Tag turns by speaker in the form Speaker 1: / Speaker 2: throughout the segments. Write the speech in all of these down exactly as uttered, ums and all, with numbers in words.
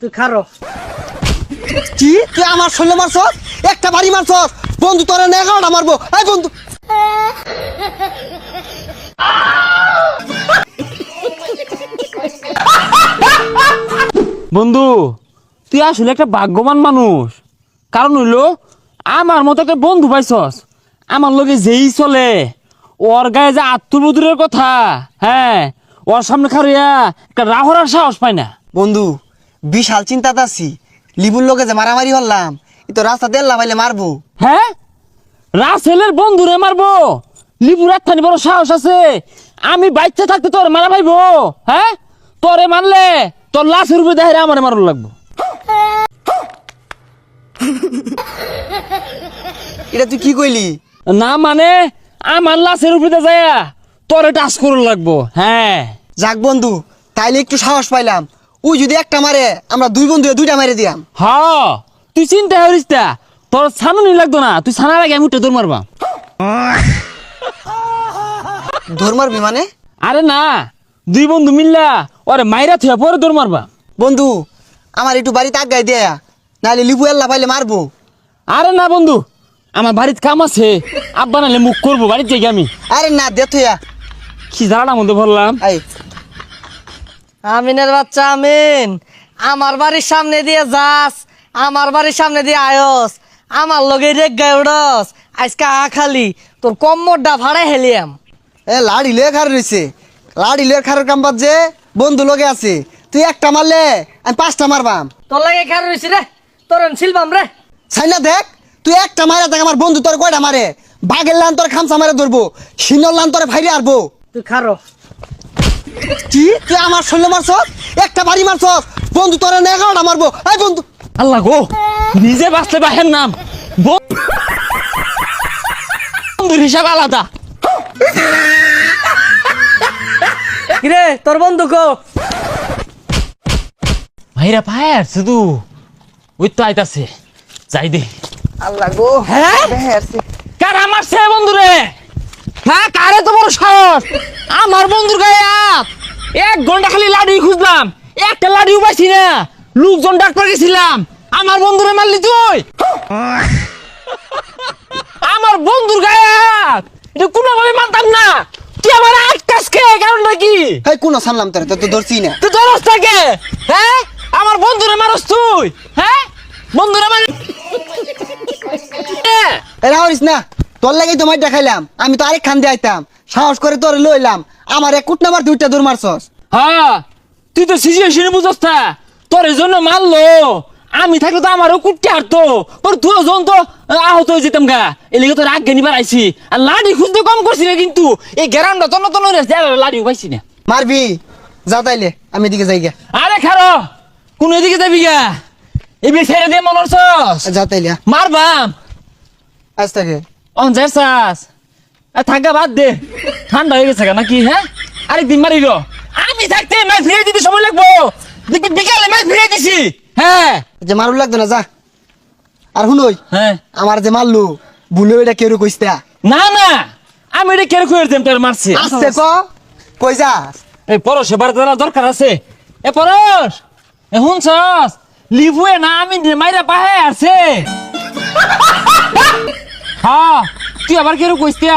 Speaker 1: তুই খারো।
Speaker 2: কি তুই আমার শরীরে মারছস? একটা বাড়ি মারছস? বন্ধু তোরে না এগারোটা মারবো। এই বন্ধু
Speaker 3: বন্ধু তুই আসলে একটা ভাগ্যবান মানুষ। কারণ হইলো আমার মতো একটা বন্ধু পাইছস। আমার লগে যেই চলে ওর গায়ে যে আত্মবোধের কথা, হ্যাঁ ওর সামনে খারিয়া একটা রাহরার সাহস পায় না।
Speaker 2: বন্ধু বিশাল চিন্তাতে আছি। লিবুর লোকে যে মারামারি হলাম, এ তো রাস্তা দেল্লা পাইলে মারবো।
Speaker 3: হ্যাঁ রাসেলের বন্ধুরে মারবো? লিপুর একখানি বড় সাহস আছে? আমি বাচ্চা থাকতে তোর মারা ভাইবো? হ্যাঁ তোরে মারলে তোর লাশের উপরে দেখে আমার মারুন লাগবো।
Speaker 2: এটা তুই কি কইলি?
Speaker 3: না মানে আমার লাশের উপরে যায় তোরে টাচ করুন লাগবো। হ্যাঁ
Speaker 2: যাক বন্ধু, তাইলে একটু সাহস পাইলাম। ওই যদি একটা মারে, আমরা দুই বন্ধু দুইটা মারে দিয়াম।
Speaker 3: হ তুই চিন্তা করিস না, তোর ছানুনি লাগতো না। তুই ছানার আগে আমি উঠে দৌড় মারবা।
Speaker 2: ধর মারবি মানে?
Speaker 3: আরে না, দুই বন্ধু মিললা ওরে মাইরা থুয়া পরে দৌড় মারবা।
Speaker 2: বন্ধু আমার একটু বাড়িতে আগাই দেয়া, নাহলে লিবু এল্লা পাইলে মারবো।
Speaker 3: আরে না বন্ধু, আমার বাড়িতে কাম আছে। আব্বা নাহলে মুখ করবো বাড়ির থেকে আমি।
Speaker 2: আরে না দে থইয়া।
Speaker 3: কি জানার মধ্যে বললাম।
Speaker 2: আই
Speaker 1: আমিনের বাচ্চা আমিন, আমার বাড়ির সামনে দিয়ে যাস, আমার বাড়ির সামনে দিয়ে আয়স, আমার লগে রেগ গায়ে উড়স। আজকে আ খালি তোর কম্মরটা ভাড়ায় হেলিয়াম।
Speaker 2: এ লাড়ি লয়ে খার রয়েছে। লাড়ি লয়ে খারের কাম বাদ যে বন্ধু লগে আছে। তুই একটা মারলে আমি পাঁচটা মারবাম।
Speaker 1: তোর লাগে খেয়াল রয়েছি রে, তোর শিলবাম রে।
Speaker 2: ছাইনা দেখ, তুই একটা মারে দেখ আমার বন্ধু তোর কয়টা মারে। বাঘের লান তোর খামসা মারে ধরবো, সিনর লান তোর ভাইরে আরবো।
Speaker 1: তুই খারো।
Speaker 2: কি তুই আমার শরীরে মারছস? একটা বাড়ি মারছস? বন্ধু তোর না এগারোটা মারবো। এই বন্ধু
Speaker 3: আল্লাহ গো, নিজে বাঁচলে বাহের নাম। বন্ধুর হিসাব আলাদা।
Speaker 1: কিরে তোর বন্ধু কো?
Speaker 3: ভাইরা পায় শুধু ওই তো আইতাছে, যাই দে।
Speaker 2: আল্লাহ গো,
Speaker 3: হ্যাঁ
Speaker 2: বেহেরছে।
Speaker 3: কার আমার সে বন্ধুরে? হ্যাঁ কারে তো বড় সাহস আমার বন্ধুর গায়ে হাত। এক ঘন্টা খালি লাড়ি খুঁজলাম, একটা লাড়িও পাইছি না। লোকজন ডাক্তার গেছিলাম, আমার বন্ধুরে মারলি তুই। আমার বন্ধুর গায়ে হাত, এটা কোনোভাবে মানতাম না। তুই আমার আটকাস কে? কারণটা কি?
Speaker 2: হেই কোন সামলাম তোরে, তো তো ধরছি না।
Speaker 3: তুই ধরস থাকে? হ্যাঁ আমার বন্ধুরে মারস তুই? হ্যাঁ বন্ধুরে মার।
Speaker 2: এ রাহরিস না, তোর লাগেই তো মাইটা খাইলাম। আমি তো আরেক খান দিয়ে আইতাম, সাহস করে তোরে লইলাম। আমার এক কুট নাম্বার দুইটা দৌড় মারছস।
Speaker 3: হ্যাঁ তুই তো সিচুয়েশন বুঝছ না, তোর এই জন্য মারলো। আমি থাকলে তো আমারও কুটতে হারতো। তোর দুজন তো আহত হয়ে যেতাম গা। এলিগে তোর আগে নিবার আইছি। আর লাড়ি খুঁজতে কম করছি না, কিন্তু এই গ্যারামটা তন্ন তন্ন লাড়িও পাইছি না।
Speaker 2: মারবি যা তাইলে, আমি এদিকে যাই গা।
Speaker 3: আরে খারো, কোন এদিকে যাবি গা? এবার ছেড়ে দিয়ে মনে হচ্ছস
Speaker 2: যা তাইলে
Speaker 3: মারবাম।
Speaker 2: আজ থেকে
Speaker 3: অন যাস থাকা বাদ দে, ঠান্ডা হয়ে গেছে নাকি? হ্যাঁ আরেকদিন মারিল। আমি থাকতে ম্যাচ ফিরে দিতে সময় লাগবো। দেখবি বিকালে ম্যাচ ফিরে দিছি। হ্যাঁ
Speaker 2: যে মারু লাগতো না, যা। আর শুনই,
Speaker 3: হ্যাঁ
Speaker 2: আমার যে মারলু ভুলে এটা কেউ কইস্তা
Speaker 3: না না, আমি এটা কেন করে দেম তোর মারছি।
Speaker 2: আসছে ক কই যাস?
Speaker 3: এই পরশ এবার তোরা দরকার আছে। এ পরশ এ শুনছস? লিভুয়ে না আমি মাইরা পাহে আছে। হ্যাঁ তুই আবার কেন কইস্তিয়া?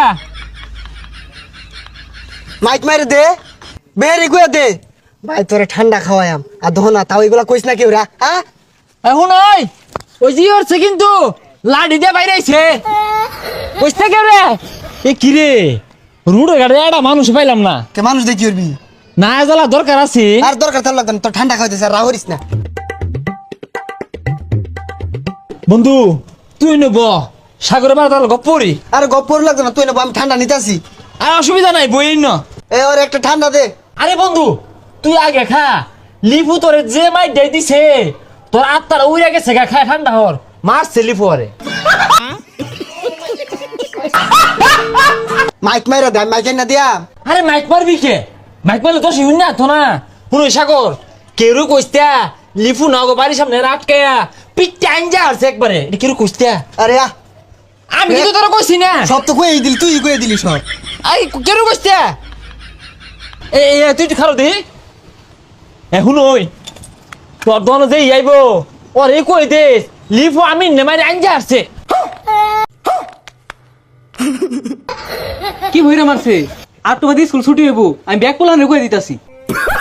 Speaker 2: মাইক মারে দে, বেরি গুয়া দে। ভাই তোরে ঠান্ডা খাওয়ায়াম আর দহন না, তাও এগুলা কইস না কেউ রা। হ্যাঁ
Speaker 3: এখন ওই ওই জি হচ্ছে কিন্তু লাঠি দিয়ে বাইরে আইছে। কইস্তা কেউ রে? এ কি রে রুড়ে গাড়ি একটা মানুষ পাইলাম না।
Speaker 2: কে মানুষ দেখি উঠবি
Speaker 3: না জ্বালা দরকার আছে।
Speaker 2: আর দরকার থাকলে লাগতো না, তোর ঠান্ডা খাওয়াইতেছে আর রাহরিস না।
Speaker 3: বন্ধু তুই নেব সাগরে বার তাহলে গপ্পরি।
Speaker 2: আর গপ্পর লাগতো না, তুই না আমি ঠান্ডা নিতে আসি।
Speaker 3: আর অসুবিধা নাই বই ন।
Speaker 2: এ ওর একটা ঠান্ডা দে।
Speaker 3: আরে বন্ধু তুই আগে খা। লিপু তোরে যে মাই দেই দিছে, তোর আত্মারা উড়ে গেছে গা। খায় ঠান্ডা হর মারছে লিপু আরে।
Speaker 2: মাইক মাইরা দে, আমি মাইক না দিয়া।
Speaker 3: আরে মাইক মারবি কে? মাইক মারলে তো শুন না তো না। শুনো সাগর কেউ কইস্তা লিপু না গো বাড়ির সামনে আটকায়া পিঠটা আইনজা আসছে একবারে। এটা কেউ কইস্তা?
Speaker 2: আরে আ
Speaker 3: আমি কিন্তু তোরা কইছি না।
Speaker 2: সব তো কই দিলি, তুই কই দিলি সব।
Speaker 3: I can কইস্তা? এ এ তুই খারো দি এখন ওই তোর দল যে আইবো ওরে কই দেস লিফো আমি নেমারি আনজা আসছে
Speaker 4: কি হইরা মারছে আর তোমাদের স্কুল ছুটি হইব আমি ব্যাগ পোলান রেখে দিতাছি